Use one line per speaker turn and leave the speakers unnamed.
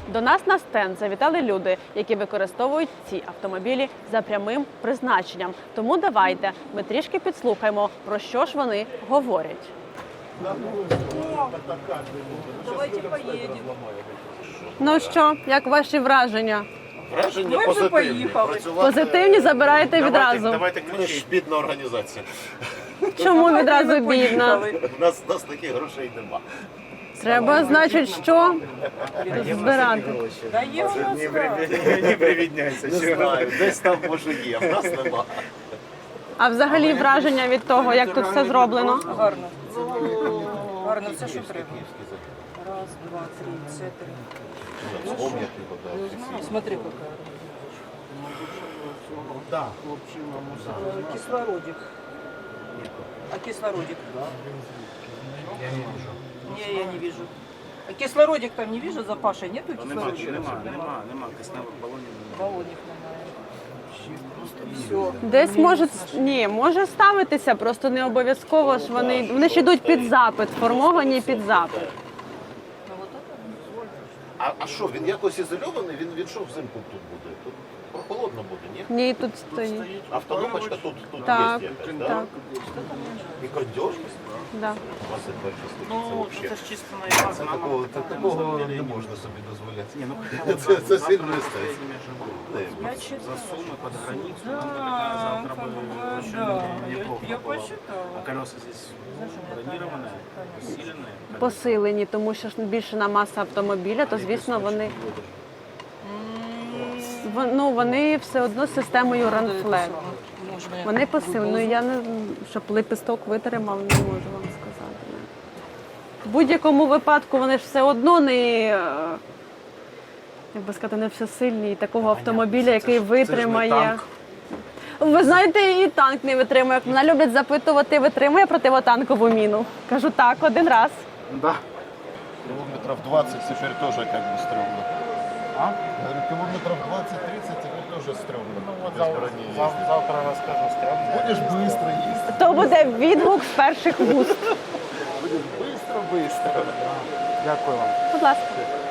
До нас на стенд завітали люди, які використовують ці автомобілі за прямим призначенням. Тому давайте ми трішки підслухаємо, про що ж вони говорять.
Давайте поїдемо.
Ну що, як ваші враження?
Враження
Ми вже
позитивні.
поїхали.
Позитивні забираєте відразу.
Давайте ми ж бідна організація.
Чому відразу бідна?
У нас таких грошей нема.
Треба, значить, що? Збирати.
Да є у нас
Не привідняйся.
Не знаю, десь там може є, в нас нема.
А взагалі враження від того, як тут все зроблено?
гарно. Гарно, все, що треба. Раз, два, три, чотири. Смотри, какая.
Да.
Кислородик. А кислородик? Не, я не вижу. А кислородик там не вижу, за Пашей нету кислородика?
Нема. Кисневих балонів немає.
Баллонник немає. Все.
Десь може ставитися, просто не обов'язково ж вони ж йдуть під запит, сформовані під запит.
Ну вот это.
А що, він якось ізольований? Він що взимку тут буде? Тут прохолодно буде, ні?
Ні, тут стоїть.
Автономочка тут
Так,
є якась, да?
так,
І кондьор?
да.
Ну, це ж чисто на база.
Такого не можна собі дозволяти.
Ні, ну,
Це сильно естетика.
За суммы под границу, нам бы
Да,
такая завтра бы очень
да,
неплохо
я
было.
посчитала.
А колеса здесь бронированные, усиленные.
Посилені, тому що ж збільшена маса автомобіля, то звісно вони все одно з системою Run-Flat. Вони посилені. Я не щоб лепесток витримав, не можу вам сказати. В будь-якому випадку вони ж все одно не, як би сказати, не всесильні. І такого автомобіля, який витримає. Ви знаєте, і танк не витримує. Мене люблять запитувати, витримує противотанкову міну. Кажу, так, один раз.
Да.
Километров 20 теперь тоже как бы стрёмно.
А?
Говорю, километров 20-30 теперь тоже стрёмно.
Вот
Без брони ездить.
завтра расскажу, стрёмно.
Будешь быстро ездить.
То буде відгук з перших вуст.
Будешь быстро-быстро.
Дякую вам.
Будь ласка.